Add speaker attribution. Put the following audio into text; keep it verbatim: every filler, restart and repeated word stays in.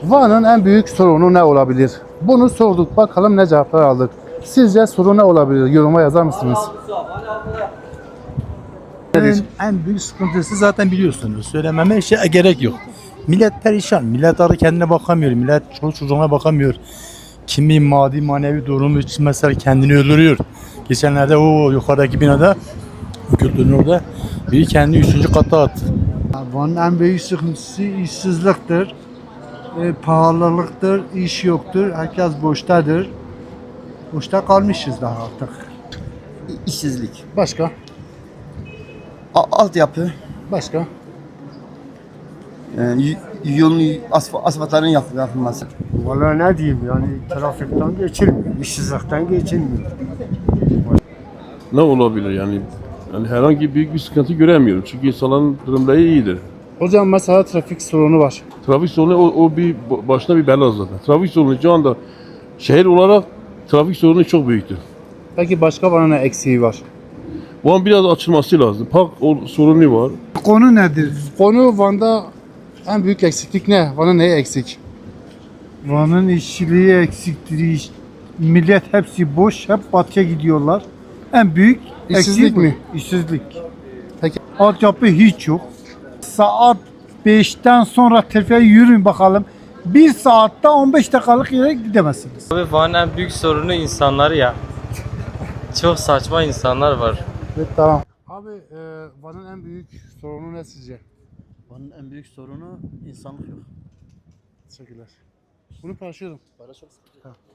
Speaker 1: Van'ın en büyük sorunu ne olabilir? Bunu sorduk, bakalım ne cevaplar aldık. Sizce sorun ne olabilir? Yoruma yazar mısınız?
Speaker 2: En, en büyük sıkıntısı zaten biliyorsunuz. Söylememe şey gerek yok. Millet perişan. Millet arı kendine bakamıyor. Millet çoluk çocuğuna bakamıyor. Kimi maddi manevi durumu için mesela kendini öldürüyor. Geçenlerde o yukarıdaki binada Kültürün orada biri kendini üçüncü kata attı.
Speaker 3: Van'ın en büyük sıkıntısı işsizliktir, e, pahalılıktır, iş yoktur, herkes boştadır. Boşta kalmışız daha artık.
Speaker 4: İşsizlik,
Speaker 1: Başka?
Speaker 4: A- altyapı,
Speaker 1: Başka?
Speaker 4: e, y- yolun asf- asfaltların yap- yapılması.
Speaker 3: Vallahi ne diyeyim yani trafikten geçilmiyor, işsizlikten geçilmiyor.
Speaker 5: Ne olabilir yani? Yani herhangi büyük bir sıkıntı göremiyorum. Çünkü insanların durumları iyidir.
Speaker 1: Hocam mesela trafik sorunu var.
Speaker 5: Trafik sorunu o, o bir başına bir bela zaten. Trafik sorunu şu anda şehir olarak trafik sorunu çok büyüktür.
Speaker 1: Peki başka Van'ın ne eksiği var?
Speaker 5: Bu an biraz açılması lazım. Park o- sorunu var.
Speaker 3: Konu nedir?
Speaker 1: Konu Van'da en büyük eksiklik ne? Van'ın neyi eksik?
Speaker 3: Van'ın işçiliği eksiktir, iş- millet hepsi boş, hep batıya gidiyorlar. En büyük
Speaker 1: İşsizlik
Speaker 3: eksiği bu.
Speaker 1: mi?
Speaker 3: İşsizlik.
Speaker 1: Peki.
Speaker 3: Altyapı hiç yok. Saat beşten sonra trafiğe yürüyün bakalım. Bir saatte on beş dakikalık yere gidemezsiniz.
Speaker 6: Abi Van'ın en büyük sorunu insanlar ya. Çok saçma insanlar var.
Speaker 1: Evet, tamam. Abi e, Van'ın en büyük sorunu ne sizce?
Speaker 2: Van'ın en büyük sorunu insanlık yok.
Speaker 1: Teşekkürler. Bunu paylaşıyorum.
Speaker 2: Para çok sıkıntı.